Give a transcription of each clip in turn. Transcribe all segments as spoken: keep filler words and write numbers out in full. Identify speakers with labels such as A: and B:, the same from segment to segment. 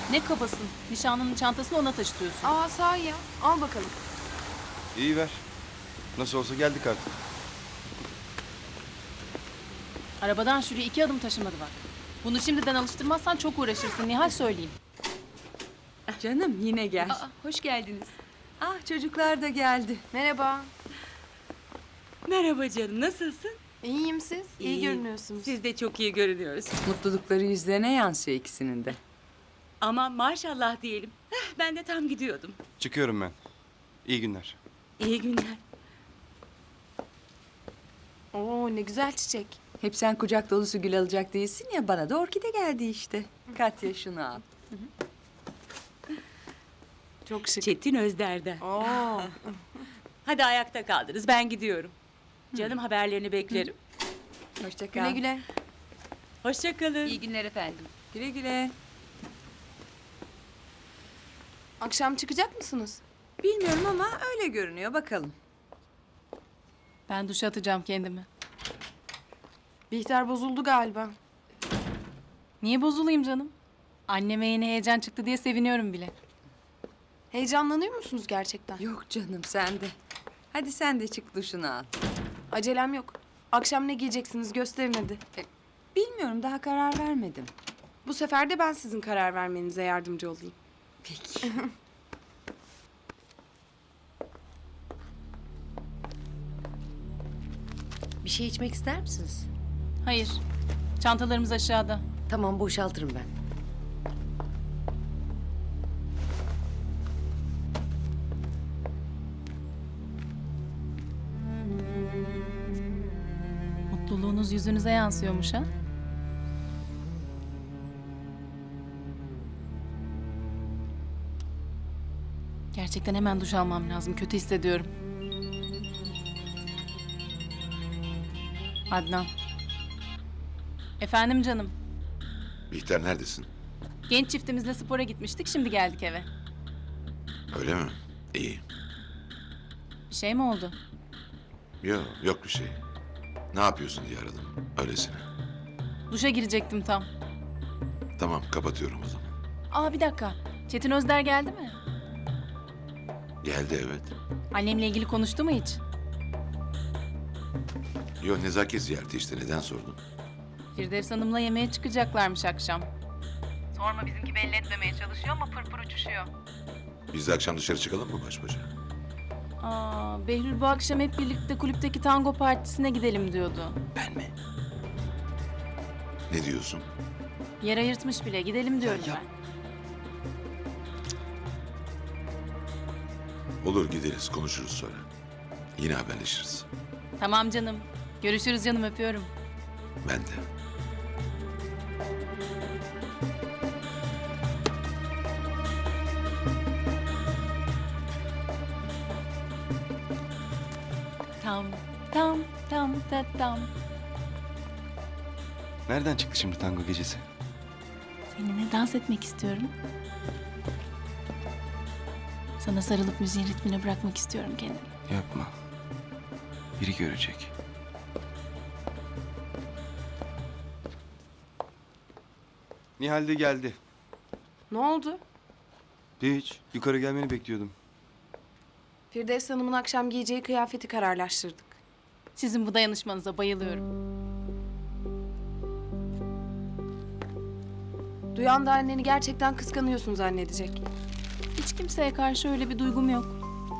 A: Ne kabasın? Nişanlının çantasını ona taşıtıyorsun.
B: Aa sahi ya. Al bakalım.
C: İyi ver. Nasıl olsa geldik artık.
A: Arabadan şuraya iki adım taşımadı bak. Bunu şimdiden alıştırmazsan çok uğraşırsın Nihal, söyleyeyim.
D: Canım yine gel.
B: Aa, hoş geldiniz.
D: Ah çocuklar da geldi.
B: Merhaba.
D: Merhaba canım, nasılsın?
B: İyiyim siz. İyi, görünüyorsunuz.
D: Siz de çok iyi görünüyoruz. Mutlulukları yüzlerine yansıyor ikisinin de.
E: Ama maşallah diyelim. Heh, ben de tam gidiyordum.
C: Çıkıyorum ben. İyi günler.
E: İyi günler.
B: Oo ne güzel çiçek.
D: Hep sen kucak dolusu gül alacak değilsin ya, bana da orkide geldi işte. Katya şunu al.
B: Çok şık.
E: Çetin Özder'den.
B: Oo.
E: Hadi ayakta kaldınız, ben gidiyorum. Canım haberlerini beklerim.
D: Hoşça kal.
B: Güle güle.
E: Hoşça kalın.
D: İyi günler efendim. Güle güle.
B: Akşam çıkacak mısınız?
D: Bilmiyorum ama öyle görünüyor, bakalım.
A: Ben duşa atacağım kendimi.
B: Bihter bozuldu galiba.
A: Niye bozulayım canım? Anneme yeni heyecan çıktı diye seviniyorum bile.
B: Heyecanlanıyor musunuz gerçekten?
D: Yok canım, sen de. Hadi sen de çık duşunu al.
B: Acelem yok. Akşam ne giyeceksiniz gösterin hadi.
D: Bilmiyorum, daha karar vermedim.
B: Bu sefer de ben sizin karar vermenize yardımcı olayım.
D: Peki.
F: Bir şey içmek ister misiniz?
A: Hayır. Çantalarımız aşağıda.
F: Tamam, boşaltırım ben.
A: Mutluluğunuz yüzünüze yansıyormuş ha? Gerçekten hemen duş almam lazım. Kötü hissediyorum. Adnan. Efendim canım.
G: Bihter neredesin?
A: Genç çiftimizle spora gitmiştik. Şimdi geldik eve.
G: Öyle mi? İyi.
A: Bir şey mi oldu?
G: Yok, yok bir şey. Ne yapıyorsun diye aradım. Öylesine.
A: Duşa girecektim tam.
G: Tamam, kapatıyorum o zaman.
A: Aa bir dakika. Çetin Özder geldi mi?
G: Geldi evet.
A: Annemle ilgili konuştu mu hiç?
G: Yok, nezaket ziyareti işte. Neden sordun?
A: Firdevs Hanım'la yemeğe çıkacaklarmış akşam. Sorma, bizimki belli etmemeye çalışıyor ama pırpır uçuşuyor.
G: Biz de akşam dışarı çıkalım mı baş başa?
A: Aa, Behlül bu akşam hep birlikte kulüpteki tango partisine gidelim diyordu.
G: Ben mi? Ne diyorsun?
A: Yer ayırtmış bile, gidelim diyorum ben.
G: Olur, gideriz, konuşuruz sonra. Yine haberleşiriz.
A: Tamam canım. Görüşürüz canım, öpüyorum.
G: Ben de.
A: Tam, tam, tam, ta, tam.
C: Nereden çıktı şimdi tango gecesi?
A: Seninle dans etmek istiyorum. Sana sarılıp müziğin ritmine bırakmak istiyorum kendimi.
C: Yapma. Biri görecek. Nihal de geldi.
B: Ne oldu?
C: Hiç. Yukarı gelmeni bekliyordum.
B: Firdevs Hanım'ın akşam giyeceği kıyafeti kararlaştırdık.
A: Sizin bu dayanışmanıza bayılıyorum.
B: Duyan da anneni gerçekten kıskanıyorsun zannedecek.
A: Hiç kimseye karşı öyle bir duygum yok.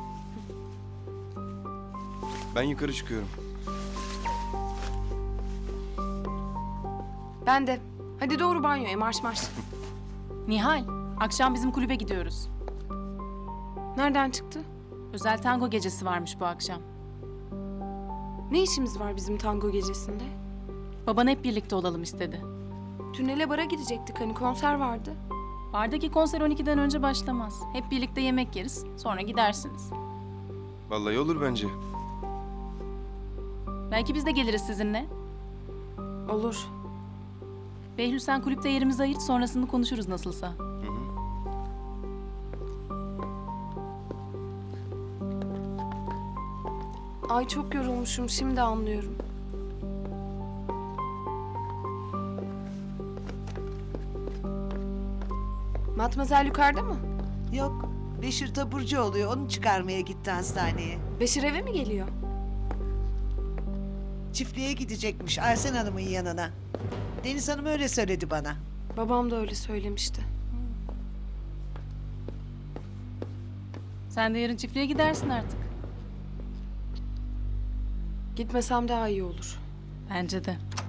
C: Ben yukarı çıkıyorum.
B: Ben de. Hadi doğru banyoya marş marş.
A: Nihal, akşam bizim kulübe gidiyoruz.
B: Nereden çıktı?
A: Özel tango gecesi varmış bu akşam.
B: Ne işimiz var bizim tango gecesinde?
A: Baban hep birlikte olalım istedi.
B: Tünele bara gidecektik hani konser vardı.
A: Bardaki konser on ikiden önce başlamaz. Hep birlikte yemek yeriz, sonra gidersiniz.
C: Vallahi olur bence.
A: Belki biz de geliriz sizinle.
B: Olur.
A: Behlül, sen kulüpte yerimizi ayırt, sonrasını konuşuruz nasılsa.
B: Ay çok yorulmuşum şimdi anlıyorum. Matmazel yukarıda mı?
H: Yok. Beşir taburcu oluyor. Onu çıkarmaya gitti hastaneye.
B: Beşir eve mi geliyor?
H: Çiftliğe gidecekmiş Arsen Hanım'ın yanına. Deniz Hanım öyle söyledi bana.
B: Babam da öyle söylemişti.
A: Sen de yarın çiftliğe gidersin artık.
B: Gitmesem daha iyi olur.
A: Bence de.